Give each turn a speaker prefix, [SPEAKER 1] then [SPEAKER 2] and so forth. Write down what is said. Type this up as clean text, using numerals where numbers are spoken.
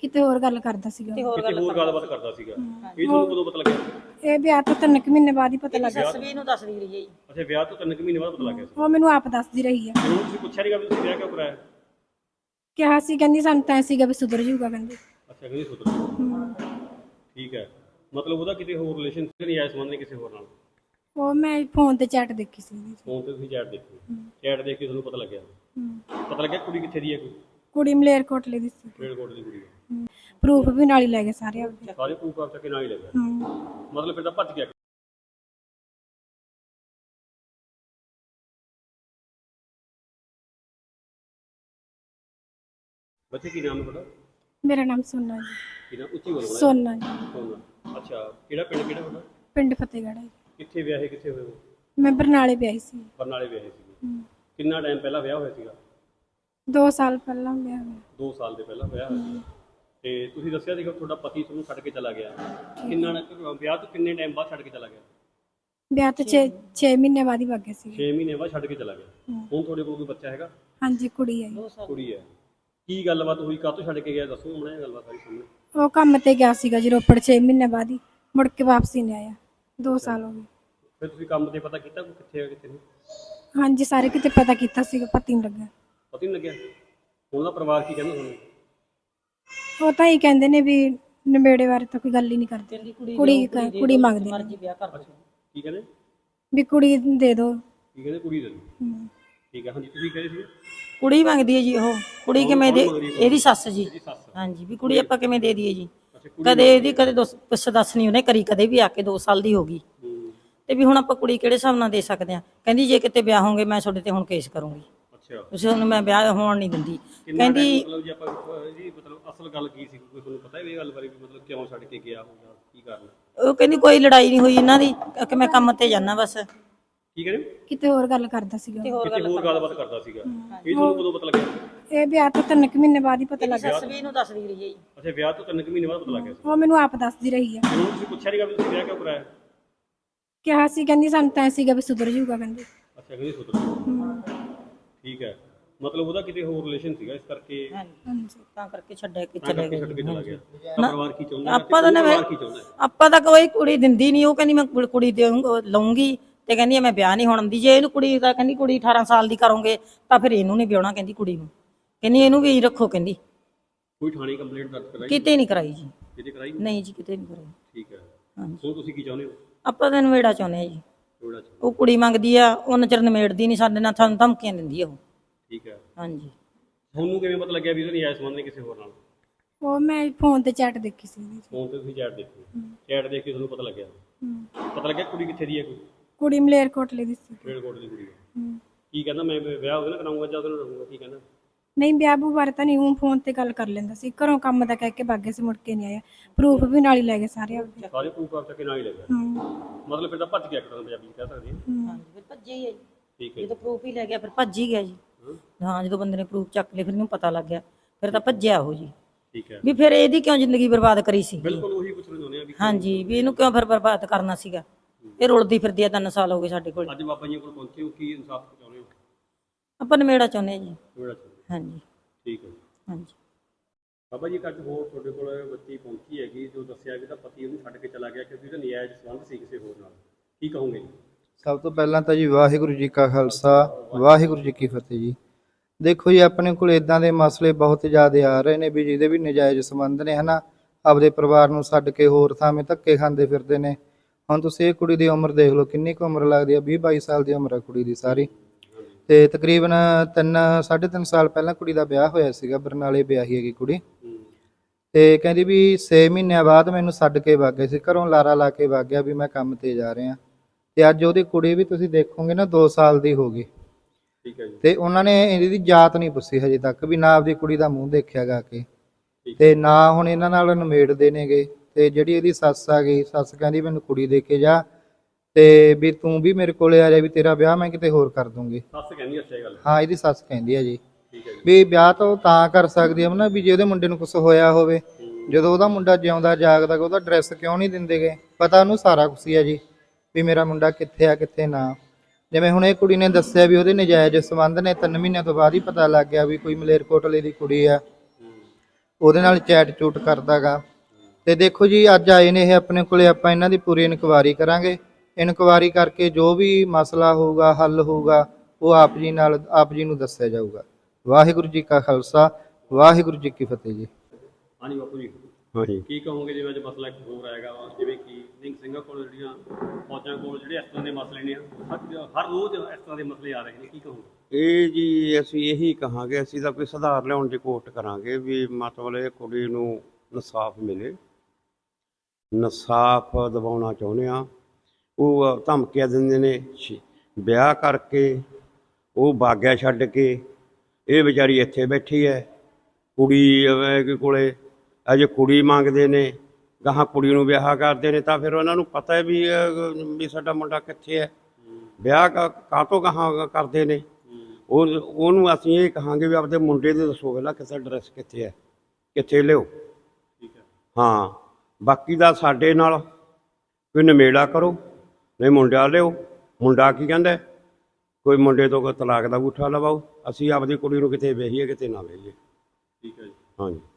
[SPEAKER 1] ਕਿਤੇ ਹੋਰ ਗੱਲ ਕਰਦਾ ਸੀਗਾ।
[SPEAKER 2] ਕਿਤੇ ਹੋਰ ਗੱਲਬਾਤ ਕਰਦਾ ਸੀਗਾ। ਇਹ ਤੁਹਾਨੂੰ ਕਦੋਂ ਪਤਾ ਲੱਗਿਆ?
[SPEAKER 1] ਇਹ ਵਿਆਹ ਤੋਂ 3 ਮਹੀਨੇ ਬਾਅਦ ਹੀ ਪਤਾ ਲੱਗਿਆ।
[SPEAKER 3] ਸੱਸ ਵੀ ਇਹਨੂੰ ਦੱਸਦੀ ਰਹੀ ਹੈ ਜੀ।
[SPEAKER 2] ਅੱਛਾ, ਵਿਆਹ ਤੋਂ 3 ਮਹੀਨੇ ਬਾਅਦ ਪਤਾ ਲੱਗਿਆ ਸੀ।
[SPEAKER 1] ਉਹ ਮੈਨੂੰ ਆਪ ਦੱਸਦੀ ਰਹੀ ਆ।
[SPEAKER 2] ਫਿਰ ਤੁਸੀਂ ਪੁੱਛਿਆ ਨਹੀਂਗਾ ਵੀ ਤੁਸੀਂ ਵਿਆਹ ਕਿਉਂ ਕਰਾਇਆ?
[SPEAKER 1] ਕਿਹਾ ਸੀ, ਕਹਿੰਦੀ ਸਾਨੂੰ ਤਾਂ ਸੀਗਾ ਵੀ ਸੁਧਰ ਜਾਊਗਾ ਕਹਿੰਦੀ।
[SPEAKER 2] ਅੱਛਾ, ਕਹਿੰਦੀ ਸੁਧਰ। ਠੀਕ ਹੈ, ਮਤਲਬ ਉਹਦਾ ਕਿਤੇ ਹੋਰ ਰਿਲੇਸ਼ਨ ਨਹੀਂ ਆਇਆ ਸੰਬੰਧ ਨਹੀਂ ਕਿਸੇ ਹੋਰ ਨਾਲ?
[SPEAKER 1] ਉਹ ਮੈਂ ਫੋਨ ਤੇ ਚੈਟ ਦੇਖੀ ਸੀ।
[SPEAKER 2] ਫੋਨ ਤੇ ਤੁਸੀਂ ਚੈਟ ਦੇਖੀ? ਚੈਟ ਦੇਖ ਕੇ ਤੁਹਾਨੂੰ ਪਤਾ ਲੱਗਿਆ? ਪਤਾ ਲੱਗਿਆ ਕੁੜੀ ਕਿੱਥੇ ਦੀ ਹੈ? ਕੋਈ
[SPEAKER 1] ਕੁੜੀ ਮਲੇਰਕੋਟਲੇ ਦੀ ਸੀ।
[SPEAKER 2] ਮਲੇਰਕੋਟ ਦੀ ਕੁੜੀ ਹੈ।
[SPEAKER 1] ਪ੍ਰੂਫ ਵੀ ਨਾਲ ਹੀ ਲੈ ਗਏ ਸਾਰੇ ਆਪਦੇ।
[SPEAKER 2] ਸਾਰੇ ਪ੍ਰੂਫ ਆਪ ਚੱਕੇ ਨਾਲ ਹੀ ਲੈ ਗਿਆ? ਮਤਲਬ ਫਿਰ ਤਾਂ ਭੱਜ ਗਿਆ। ਬੱਚੇ ਕੀ ਨਾਮ ਹੈ ਤੁਹਾਡਾ?
[SPEAKER 1] ਮੇਰਾ ਨਾਮ ਸੋਨਾ ਜੀ।
[SPEAKER 2] ਕੀ ਨਾਮ? ਉੱਚੀ ਬੋਲੋ।
[SPEAKER 1] ਸੋਨਾ ਜੀ।
[SPEAKER 2] ਸੋਨਾ। ਅੱਛਾ, ਕਿਹੜਾ ਪਿੰਡ ਕਿਹੜਾ ਤੁਹਾਡਾ?
[SPEAKER 1] ਪਿੰਡ ਫਤਿਹਗੜ੍ਹ ਹੈ।
[SPEAKER 2] ਕਿੱਥੇ ਵਿਆਹੇ ਕਿੱਥੇ ਹੋਏ ਹੋ?
[SPEAKER 1] ਮੈਂ ਬਰਨਾਲੇ ਵਿਆਹੀ ਸੀ।
[SPEAKER 2] ਬਰਨਾਲੇ ਵਿਆਹੇ ਸੀ। ਕਿੰਨਾ ਟਾਈਮ ਪਹਿਲਾਂ ਵਿਆਹ ਹੋਇਆ ਸੀਗਾ?
[SPEAKER 1] 2 ਸਾਲ ਪਹਿਲਾਂ ਵਿਆਹ ਹੋਇਆ।
[SPEAKER 2] 2 ਸਾਲ ਦੇ ਪਹਿਲਾਂ ਵਿਆਹ ਹੋਇਆ ਸੀ। ਤੇ ਤੁਸੀਂ ਦੱਸਿਆ ਸੀਗਾ ਤੁਹਾਡਾ ਪਤੀ ਤੁਹਾਨੂੰ ਛੱਡ ਕੇ ਚਲਾ ਗਿਆ। ਕਿੰਨਾ ਵਿਆਹ ਤੋਂ ਕਿੰਨੇ ਟਾਈਮ ਬਾਅਦ ਛੱਡ ਕੇ ਚਲਾ ਗਿਆ?
[SPEAKER 1] ਵਿਆਹ ਤੋਂ 6 ਮਹੀਨੇ ਬਾਅਦ ਹੀ ਵਗ ਗਏ ਸੀ।
[SPEAKER 2] 6 ਮਹੀਨੇ ਬਾਅਦ ਛੱਡ ਕੇ ਚਲਾ ਗਿਆ। ਹੁਣ ਤੁਹਾਡੇ ਕੋਲ ਕੋਈ ਬੱਚਾ ਹੈਗਾ?
[SPEAKER 1] ਹਾਂਜੀ, ਕੁੜੀ ਹੈ ਜੀ।
[SPEAKER 2] ਕੁੜੀ ਹੈ। ਕੀ ਗੱਲਬਾਤ ਹੋਈ? ਕਾਹਤੋਂ ਛੱਡ ਕੇ ਗਿਆ? ਦੱਸੋ ਮੈਨੂੰ ਇਹ ਗੱਲਬਾਤ ਸਾਰੀ ਸਾਹਮਣੇ।
[SPEAKER 1] ਉਹ ਕੰਮ ਤੇ ਗਿਆ ਸੀਗਾ ਜੀ ਰੋਪੜ। 6 ਮਹੀਨੇ ਬਾਅਦ ਹੀ ਮੁੜ ਕੇ ਵਾਪਸੀ ਨਹੀਂ ਆਇਆ। 2 ਸਾਲ ਹੋ ਗਏ।
[SPEAKER 2] ਫਿਰ ਤੁਸੀਂ ਕੰਮ ਤੇ ਪਤਾ ਕੀਤਾ ਕੋਈ ਕਿੱਥੇ ਹੈ ਕਿੱਥੇ ਨਹੀਂ?
[SPEAKER 1] ਹਾਂਜੀ, ਸਾਰੇ ਕਿਤੇ ਪਤਾ ਕੀਤਾ ਸੀਗਾ, ਪਤਾ ਨਹੀਂ ਲੱਗਾ।
[SPEAKER 2] ਪਤਾ ਨਹੀਂ ਲੱਗਿਆ? ਹੁਣ ਦਾ ਪਰਿਵਾਰ ਕੀ ਕਹਿੰਦਾ ਤੁਹਾਨੂੰ?
[SPEAKER 1] ਉਹ ਤਾਂ ਹੀ ਕਹਿੰਦੇ ਨੇ ਵੀ ਨਵੇੜੇ ਬਾਰੇ ਤਾਂ ਕੋਈ ਗੱਲ ਹੀ ਨਹੀਂ ਕਰਦੇ। ਕੁੜੀ ਮੰਗਦੇ ਨੇ।
[SPEAKER 3] ਮਰਜ਼ੀ ਵਿਆਹ ਕਰ ਦੋ।
[SPEAKER 2] ਕੀ ਕਹਿੰਦੇ?
[SPEAKER 1] ਵੀ ਕੁੜੀ ਦੇ ਦਿਓ।
[SPEAKER 2] ਕੀ ਕਹਿੰਦੇ? ਕੁੜੀ ਦੇ ਦਿਓ। ਠੀਕ ਹੈ। ਹਾਂਜੀ, ਤੁਸੀਂ ਕਹੇ ਸੀ
[SPEAKER 3] ਕੁੜੀ ਮੰਗਦੀ ਹੈ ਜੀ। ਉਹ ਕੁੜੀ ਕਿਵੇਂ ਦੇ? ਇਹਦੀ ਸੱਸ ਜੀ।
[SPEAKER 2] ਸੱਸ।
[SPEAKER 3] ਹਾਂਜੀ, ਵੀ ਕੁੜੀ ਆਪਾਂ ਕਿਵੇਂ ਦੇ ਦਈਏ ਜੀ? ਕਦੇ ਇਹਦੀ ਕਦੇ ਪੁੱਛ ਦੱਸ ਨਹੀਂ ਉਹਨੇ ਕਰੀ, ਕਦੇ ਵੀ ਆ ਕੇ 2 ਸਾਲ ਦੀ ਹੋ ਗਈ। ਤੇ ਵੀ ਹੁਣ ਆਪਾਂ ਕੁੜੀ ਕਿਹੜੇ ਹਿਸਾਬ ਨਾਲ ਦੇ ਸਕਦੇ ਆ? ਕਹਿੰਦੀ ਜੇ ਕਿਤੇ ਵਿਆਹ ਹੋਗੇ ਮੈਂ ਤੁਹਾਡੇ ਤੇ ਹੁਣ ਕੇਸ ਕਰੂੰਗੀ।
[SPEAKER 2] ਅੱਛਾ,
[SPEAKER 3] ਤੁਸੀਂ ਹੁਣ ਮੈਂ ਵਿਆਹ ਹੋਣ ਨਹੀਂ ਦਿੰਦੀ। ਕਹਿੰਦੀ
[SPEAKER 2] ਮਤਲਬ ਜੇ ਆਪਾਂ ਇਹਦੀ ਮਤਲਬ ਅਸਲ ਗੱਲ ਕੀ ਸੀ? ਕੋਈ ਤੁਹਾਨੂੰ ਪਤਾ ਇਹ ਗੱਲ ਬਾਰੇ ਵੀ ਮਤਲਬ ਕਿਉਂ ਛੱਡ ਕੇ ਗਿਆ ਹੋਊਗਾ? ਕੀ ਕਾਰਨ?
[SPEAKER 3] ਉਹ ਕਹਿੰਦੀ ਕੋਈ ਲੜਾਈ ਨਹੀਂ ਹੋਈ ਇਹਨਾਂ ਦੀ, ਕਿ ਮੈਂ ਕੰਮ ਤੇ ਜਾਣਾ ਬਸ।
[SPEAKER 2] ਕੀ ਕਹਿੰਦੇ?
[SPEAKER 1] ਕਿਤੇ ਹੋਰ ਗੱਲ ਕਰਦਾ ਸੀਗਾ।
[SPEAKER 2] ਕਿਤੇ ਹੋਰ ਗੱਲਬਾਤ ਕਰਦਾ ਸੀਗਾ। ਇਹ ਤੁਹਾਨੂੰ ਕਦੋਂ ਪਤਾ ਲੱਗਿਆ?
[SPEAKER 1] ਇਹ ਵਿਆਹ ਤੋਂ 3 ਮਹੀਨੇ ਬਾਅਦ ਹੀ ਪਤਾ ਲੱਗਿਆ।
[SPEAKER 3] ਸੱਸ ਵੀ ਇਹਨੂੰ ਦੱਸਦੀ ਰਹੀ ਹੈ ਜੀ।
[SPEAKER 2] ਅੱਛਾ, ਵਿਆਹ ਤੋਂ 3 ਮਹੀਨੇ ਬਾਅਦ ਪਤਾ ਲੱਗਿਆ ਸੀ।
[SPEAKER 1] ਉਹ ਮੈਨੂੰ ਆਪ ਦੱਸਦੀ ਰਹੀ ਆ।
[SPEAKER 2] ਫਿਰ ਤੁਸੀਂ ਪੁੱਛਿਆ ਨਹੀਂਗਾ ਵੀ ਤੁਸੀਂ ਵਿਆਹ ਕਿਉਂ ਕਰਾਇਆ?
[SPEAKER 1] ਕਿਹਾ ਸੀ, ਕਹਿੰਦੀ ਸਾਨੂੰ ਤਾਂ ਸੀਗਾ ਵੀ ਸੁਧਰ ਜਾਊਗਾ ਕਹਿੰਦੀ।
[SPEAKER 2] ਅੱਛਾ, ਕਹਿੰਦੀ ਸੁਧਰ। ਠੀਕ ਹੈ, ਮਤਲਬ ਉਹਦਾ ਕਿਤੇ ਹੋਰ ਰਿਲੇਸ਼ਨ ਸੀਗਾ ਇਸ ਕਰਕੇ
[SPEAKER 1] ਹਾਂਜੀ,
[SPEAKER 3] ਤਾਂ ਕਰਕੇ ਛੱਡ ਕੇ
[SPEAKER 2] ਛੱਡ ਕੇ ਚਲਾ ਗਿਆ। ਤਾਂ ਪਰਿਵਾਰ ਕੀ ਚਾਹੁੰਦਾ?
[SPEAKER 3] ਆਪਾਂ ਤਾਂ ਆਪਾਂ ਤਾਂ ਕੋਈ ਕੁੜੀ ਦਿੰਦੀ ਨਹੀਂ। ਉਹ ਕਹਿੰਦੀ ਮੈਂ ਕੁੜੀ ਲਊਂਗੀ ਤੇ ਕਹਿੰਦੀ ਮੈਂ ਵਿਆਹ ਨਹੀਂ ਹੋਣ ਦਿੰਦੀ। ਜੇ ਇਹਨੂੰ ਕੁੜੀ ਦਾ ਕਹਿੰਦੀ ਕੁੜੀ 18 ਸਾਲ ਦੀ ਕਰੋਗੇ ਤਾਂ ਫਿਰ ਇਹਨੂੰ ਨਹੀਂ ਵਿਆਹਣਾ ਕਹਿੰਦੀ ਕੁੜੀ ਨੂੰ। ਕਹਿੰਦੀ ਇਹਨੂੰ ਵੀ ਰੱਖੋ ਕਹਿੰਦੀ।
[SPEAKER 2] ਕੋਈ ਥਾਣੇ ਕੰਪਲੇਂਟ ਦਰਜ ਕਰਾਈ?
[SPEAKER 3] ਕਿਤੇ ਨਹੀਂ ਕਰਾਈ ਜੀ।
[SPEAKER 2] ਕਿਤੇ ਕਰਾਈ
[SPEAKER 3] ਨਹੀਂ ਜੀ, ਕਿਤੇ ਨਹੀਂ ਕਰਾਈ।
[SPEAKER 2] ਠੀਕ ਹੈ।
[SPEAKER 3] ਹਾਂਜੀ,
[SPEAKER 2] ਹੁਣ ਤੁਸੀਂ ਕੀ ਚਾਹੁੰਦੇ ਹੋ?
[SPEAKER 3] ਆਪਾਂ ਤਾਂ ਨਵੇੜਾ ਚਾਹੁੰਦੇ ਆ ਜੀ। ਉਹ ਕੁੜੀ ਮੰਗਦੀ ਆ, ਉਹ ਨਜ਼ਰ ਨਿਮੇੜਦੀ ਨਹੀਂ ਸਾਡੇ ਨਾਲ, ਸਾਨੂੰ ਧਮਕੀਆਂ ਦਿੰਦੀ ਆ ਉਹ।
[SPEAKER 2] ਠੀਕ ਹੈ।
[SPEAKER 3] ਹਾਂਜੀ,
[SPEAKER 2] ਤੁਹਾਨੂੰ ਕਿਵੇਂ ਪਤਾ ਲੱਗਿਆ ਵੀ ਇਹਦਾ ਨਜਾਇਜ਼ ਸੰਬੰਧ ਨਹੀਂ ਕਿਸੇ ਹੋਰ ਨਾਲ?
[SPEAKER 1] ਉਹ ਮੈਂ ਫੋਨ ਤੇ ਚੈਟ ਦੇਖੀ ਸੀ।
[SPEAKER 2] ਫੋਨ ਤੇ ਤੁਸੀਂ ਚੈਟ ਦੇਖੀ? ਚੈਟ ਦੇਖ ਕੇ ਤੁਹਾਨੂੰ ਪਤਾ ਲੱਗਿਆ? ਪਤਾ ਲੱਗਿਆ ਕੁੜੀ ਕਿੱਥੇ ਦੀ ਹੈ? ਕੋਈ
[SPEAKER 1] ਕੁੜੀ ਮਲੇਰਕੋਟਲੇ ਦੀ ਸੀ।
[SPEAKER 2] ਮਲੇਰਕੋਟ ਦੀ ਕੁੜੀ ਹੈ। ਕੀ ਕਹਿੰਦਾ? ਮੈਂ ਵਿਆਹ ਉਹਦੇ ਨਾਲ ਕਰਾਉਂਗਾ ਜਾਂ ਉਹਦੇ ਨਾਲ ਰਹੂੰਗਾ? ਕੀ ਕਹਿੰਦਾ?
[SPEAKER 1] ਨਹੀਂ, ਵਿਆਹ ਬੂ ਬਾਰੇ ਤਾਂ ਨਹੀਂ। ਉਹ ਫੋਨ ਤੇ ਗੱਲ ਕਰ ਲੈਂਦਾ ਸੀ। ਘਰੋਂ ਕੰਮ ਦਾ ਕਹਿ ਕੇ ਭੱਗ ਗਏ ਸੀ, ਮੁੜ ਕੇ ਨਹੀਂ ਆਇਆ। ਪ੍ਰੂਫ ਵੀ ਨਾਲ ਹੀ ਲੈ ਗਏ ਸਾਰੇ ਆਪਦੇ।
[SPEAKER 2] ਸਾਰੇ ਪ੍ਰੂਫ ਆਪ ਚੱਕੇ ਨਾਲ ਹੀ ਲੈ ਗਿਆ? ਮਤਲਬ ਫਿਰ ਤਾਂ ਭੱਜ ਗਿਆ ਇੱਕ ਤਰ੍ਹਾਂ ਪੰਜਾਬੀ ਕਹਿ ਸਕਦੇ ਹਾਂ।
[SPEAKER 3] ਹਾਂਜੀ, ਫਿਰ ਭੱਜੇ ਹੀ ਹੈ ਜੀ।
[SPEAKER 2] ਠੀਕ ਹੈ।
[SPEAKER 3] ਜਦੋਂ ਪ੍ਰੂਫ ਹੀ ਲੈ ਗਿਆ ਫਿਰ ਭੱਜ ਹੀ ਗਿਆ ਜੀ। ਹਾਂ, ਜਦੋਂ ਬੰਦੇ ਨੇ ਪ੍ਰੂਫ ਚੱਕ ਲਏ ਫਿਰ ਇਹਨੂੰ ਪਤਾ ਲੱਗ ਗਿਆ, ਫਿਰ ਤਾਂ ਭੱਜਿਆ ਉਹ ਜੀ।
[SPEAKER 2] ਠੀਕ ਹੈ।
[SPEAKER 3] ਵੀ ਫਿਰ ਇਹਦੀ ਕਿਉਂ ਜ਼ਿੰਦਗੀ ਬਰਬਾਦ ਕਰੀ ਸੀ?
[SPEAKER 2] ਬਿਲਕੁਲ ਉਹੀ ਪੁੱਛਣਾ ਚਾਹੁੰਦੇ ਆ ਵੀ
[SPEAKER 3] ਹਾਂਜੀ, ਵੀ ਇਹਨੂੰ ਕਿਉਂ ਫਿਰ ਬਰਬਾਦ ਕਰਨਾ ਸੀਗਾ? ਇਹ ਰੁਲਦੀ ਫਿਰਦੀ ਆ 3 ਸਾਲ ਹੋ ਗਏ ਸਾਡੇ ਕੋਲ।
[SPEAKER 2] ਅੱਜ ਬਾਬਾ ਜੀ ਕੋਲ ਪਹੁੰਚੇ ਹੋ, ਕੀ ਇਨਸਾਫ ਚਾਹੁੰਦੇ ਹੋ?
[SPEAKER 3] ਆਪਾਂ ਨਵੇੜਾ ਚਾਹੁੰਦੇ ਹਾਂ ਜੀ।
[SPEAKER 2] ਨਵੇੜਾ ਚਾਹੁੰਦੇ?
[SPEAKER 3] ਹਾਂਜੀ।
[SPEAKER 2] ਠੀਕ ਹੈ।
[SPEAKER 3] ਹਾਂਜੀ
[SPEAKER 2] ਬਾਬਾ ਜੀ, ਅੱਜ ਹੋਰ ਤੁਹਾਡੇ ਕੋਲ ਬੱਚੀ ਪਹੁੰਚੀ ਹੈਗੀ ਜੋ ਦੱਸਿਆ ਕਿ ਤਾਂ ਪਤੀ ਉਹਨੂੰ ਛੱਡ ਕੇ ਚਲਾ ਗਿਆ ਕਿਉਂਕਿ ਉਹਦਾ ਨਜਾਇਜ਼ ਸੰਬੰਧ ਸੀ ਕਿਸੇ ਹੋਰ ਨਾਲ। ਕੀ ਕਹੋਗੇ?
[SPEAKER 4] ਸਭ ਤੋਂ ਪਹਿਲਾਂ ਤਾਂ ਜੀ ਵਾਹਿਗੁਰੂ ਜੀ ਕਾ ਖਾਲਸਾ ਵਾਹਿਗੁਰੂ ਜੀ ਕੀ ਫਤਿਹ ਜੀ। ਦੇਖੋ ਜੀ, ਆਪਣੇ ਕੋਲ ਇਦਾਂ ਦੇ ਮਸਲੇ ਬਹੁਤ ਜ਼ਿਆਦਾ ਆ ਰਹੇ ਨੇ ਵੀ ਜਿਹਦੇ ਵੀ ਨਜਾਇਜ਼ ਸੰਬੰਧ ਨੇ, ਹਨਾ। ਆਪਦੇ ਪਰਿਵਾਰ ਨੂੰ ਛੱਡ ਕੇ ਹੋਰ ਥਾਵੇਂ ਧੱਕੇ ਖਾਂਦੇ ਫਿਰਦੇ ਨੇ। ਹੁਣ ਤੁਸੀਂ ਇਹ ਕੁੜੀ ਦੀ ਉਮਰ ਦੇਖ ਲਓ, ਕਿੰਨੀ ਕੁ ਉਮਰ ਲੱਗਦੀ ਆ? 20-22 ਸਾਲ ਦੀ ਉਮਰ ਆ ਕੁੜੀ ਦੀ ਸਾਰੀ। ਤੇ ਤਕਰੀਬਨ 3-3.5 ਸਾਲ ਪਹਿਲਾਂ ਕੁੜੀ ਦਾ ਵਿਆਹ ਹੋਇਆ ਸੀਗਾ। ਬਰਨਾਲੇ ਵਿਆਹੀ ਹੈਗੀ ਕੁੜੀ। ਤੇ ਕਹਿੰਦੀ ਵੀ 6 ਮਹੀਨਿਆਂ ਬਾਅਦ ਮੈਨੂੰ ਛੱਡ ਕੇ ਵਗ ਗਏ ਸੀ ਘਰੋਂ, ਲਾਰਾ ਲਾ ਕੇ ਵਗ ਗਿਆ ਵੀ ਮੈਂ ਕੰਮ ਤੇ ਜਾ ਰਿਹਾ। ਤੇ ਅੱਜ ਉਹਦੀ ਕੁੜੀ ਵੀ ਤੁਸੀਂ ਦੇਖੋਗੇ ਨਾ 2 ਸਾਲ ਦੀ ਹੋ ਗਈ।
[SPEAKER 2] ਠੀਕ ਹੈ ਜੀ।
[SPEAKER 4] ਤੇ ਉਹਨਾਂ ਨੇ ਇਹਦੀ ਜਾਤ ਨਹੀਂ ਪੁੱਛੀ ਹਜੇ ਤੱਕ, ਵੀ ਨਾ ਆਪਦੀ ਕੁੜੀ ਦਾ ਮੂੰਹ ਦੇਖਿਆ ਗਾ ਕੇ, ਤੇ ਨਾ ਹੁਣ ਇਹਨਾਂ ਨਾਲ ਨਿਮੇੜਦੇ ਨੇਗੇ। ਤੇ ਜਿਹੜੀ ਇਹਦੀ ਸੱਸ ਆ ਗਈ, ਸੱਸ ਕਹਿੰਦੀ ਮੈਨੂੰ ਕੁੜੀ ਦੇ ਕੇ ਜਾ, ਤੇ ਵੀ ਤੂੰ ਵੀ ਮੇਰੇ ਕੋਲੇ ਆ ਜਾ, ਵੀ ਤੇਰਾ ਵਿਆਹ ਮੈਂ ਕਿਤੇ ਹੋਰ ਕਰ ਦੂੰਗੀ।
[SPEAKER 2] ਸੱਸ ਕਹਿੰਦੀ? ਅੱਛਾ, ਇਹ ਗੱਲ।
[SPEAKER 4] ਹਾਂ, ਇਹਦੀ ਸੱਸ ਕਹਿੰਦੀ ਆ ਜੀ
[SPEAKER 2] ਠੀਕ ਹੈ ਜੀ।
[SPEAKER 4] ਵੀ ਵਿਆਹ ਤਾਂ ਕਰ ਸਕਦੀ ਆ ਨਾ ਵੀ ਜੇ ਉਹਦੇ ਮੁੰਡੇ ਨੂੰ ਕੁਝ ਹੋਇਆ ਹੋਵੇ। ਜਦੋਂ ਉਹਦਾ ਮੁੰਡਾ ਜਿਉਂਦਾ ਜਾਗਦਾ ਉਹਦਾ ਐਡਰੈਸ ਕਿਉਂ ਨਹੀਂ ਦਿੰਦੇਗੇ? ਪਤਾ ਉਹਨੂੰ ਸਾਰਾ ਕੁਛ ਹੀ ਆ ਜੀ ਵੀ ਮੇਰਾ ਮੁੰਡਾ ਕਿੱਥੇ ਆ ਕਿੱਥੇ ਨਾ। ਜਿਵੇਂ ਹੁਣ ਇਹ ਕੁੜੀ ਨੇ ਦੱਸਿਆ ਵੀ ਉਹਦੇ ਨਜਾਇਜ਼ ਸੰਬੰਧ ਨੇ, 3 ਮਹੀਨਿਆਂ ਤੋਂ ਬਾਅਦ ਹੀ ਪਤਾ ਲੱਗ ਗਿਆ ਵੀ ਕੋਈ ਮਲੇਰਕੋਟਲੇ ਦੀ ਕੁੜੀ ਆ। ਉਹਦੇ ਨਾਲ ਚੈਟ ਚੂਟ ਕਰਦਾਗਾ। ਤੇ ਦੇਖੋ ਜੀ ਅੱਜ ਆਏ ਨੇ ਇਹ ਆਪਣੇ ਕੋਲੇ, ਆਪਾਂ ਇਹਨਾਂ ਦੀ ਪੂਰੀ ਇਨਕੁਆਇਰੀ ਕਰਾਂਗੇ। ਇਨਕੁਆਇਰੀ ਕਰਕੇ ਜੋ ਵੀ ਮਸਲਾ ਹੋਊਗਾ, ਹੱਲ ਹੋਊਗਾ, ਉਹ ਆਪ ਜੀ ਨੂੰ ਦੱਸਿਆ ਜਾਊਗਾ। ਵਾਹਿਗੁਰੂ ਜੀ ਕਾ ਖਾਲਸਾ, ਵਾਹਿਗੁਰੂ ਜੀ ਕੀ ਫਤਿਹ ਜੀ।
[SPEAKER 2] ਹਾਂਜੀ ਬਾਪੂ ਜੀ,
[SPEAKER 5] ਹਾਂਜੀ
[SPEAKER 2] ਕੀ ਕਹੋਗੇ ਜਿਵੇਂ ਅੱਜ ਮਸਲਾ ਇੱਕ ਹੋਰ ਆਏਗਾ ਵਾ, ਜਿਵੇਂ ਕਿ ਨਿਹੰਗ ਸਿੰਘਾਂ ਕੋਲ ਜਿਹੜੀਆਂ ਫੌਜਾਂ ਕੋਲ ਜਿਹੜੇ ਇਸ ਤਰ੍ਹਾਂ ਦੇ ਮਸਲੇ ਨੇ, ਹਰ ਰੋਜ਼ ਇਸ ਤਰ੍ਹਾਂ ਦੇ ਮਸਲੇ ਆ ਰਹੇ ਨੇ, ਕੀ ਕਹੋਗੇ?
[SPEAKER 5] ਇਹ ਜੀ ਅਸੀਂ ਇਹੀ ਕਹਾਂਗੇ, ਅਸੀਂ ਤਾਂ ਕੋਈ ਸੁਧਾਰ ਲਿਆਉਣ ਦੀ ਕੋਸ਼ਿਸ਼ ਕਰਾਂਗੇ ਵੀ ਮਤਲਬ ਇਹ ਕੁੜੀ ਨੂੰ ਇਨਸਾਫ ਮਿਲੇ। ਇਨਸਾਫ ਦਿਵਾਉਣਾ ਚਾਹੁੰਦੇ ਆ। ਉਹ ਧਮਕੀਆਂ ਦਿੰਦੇ ਨੇ, ਵਿਆਹ ਕਰਕੇ ਉਹ ਬਾਗਿਆ ਛੱਡ ਕੇ, ਇਹ ਵਿਚਾਰੀ ਇੱਥੇ ਬੈਠੀ ਹੈ। ਕੁੜੀ ਕੋਲੇ ਅਜੇ ਕੁੜੀ ਮੰਗਦੇ ਨੇ, ਗਾਹਾਂ ਕੁੜੀ ਨੂੰ ਵਿਆਹ ਕਰਦੇ ਨੇ, ਤਾਂ ਫਿਰ ਉਹਨਾਂ ਨੂੰ ਪਤਾ ਹੈ ਵੀ ਸਾਡਾ ਮੁੰਡਾ ਕਿੱਥੇ ਹੈ, ਵਿਆਹ ਕਾਹਤੋਂ ਗਾਹਾਂ ਕਰਦੇ ਨੇ। ਉਹਨੂੰ ਅਸੀਂ ਇਹ ਕਹਾਂਗੇ ਵੀ ਆਪਦੇ ਮੁੰਡੇ ਦੇ ਦੱਸੋ ਪਹਿਲਾਂ ਕਿੱਥੇ ਐਡਰੈਸ ਕਿੱਥੇ ਹੈ, ਕਿੱਥੇ ਲਿਓ।
[SPEAKER 2] ਠੀਕ ਹੈ।
[SPEAKER 5] ਹਾਂ, ਬਾਕੀ ਦਾ ਸਾਡੇ ਨਾਲ ਕੋਈ ਨਿਬੇੜਾ ਕਰੋ, ਨਹੀਂ ਮੁੰਡਾ ਲਿਓ। ਮੁੰਡਾ ਕੀ ਕਹਿੰਦਾ, ਕੋਈ ਮੁੰਡੇ ਤੋਂ ਕੋਈ ਤਲਾਕ ਦਾ ਅੰਗੂਠਾ ਲਵਾਓ। ਅਸੀਂ ਆਪਦੀ ਕੁੜੀ ਨੂੰ ਕਿਤੇ ਵਿਆਹੀਏ, ਕਿਤੇ ਨਾ ਵਿਆਹੀਏ।
[SPEAKER 2] ਠੀਕ ਹੈ ਜੀ।
[SPEAKER 5] ਹਾਂਜੀ।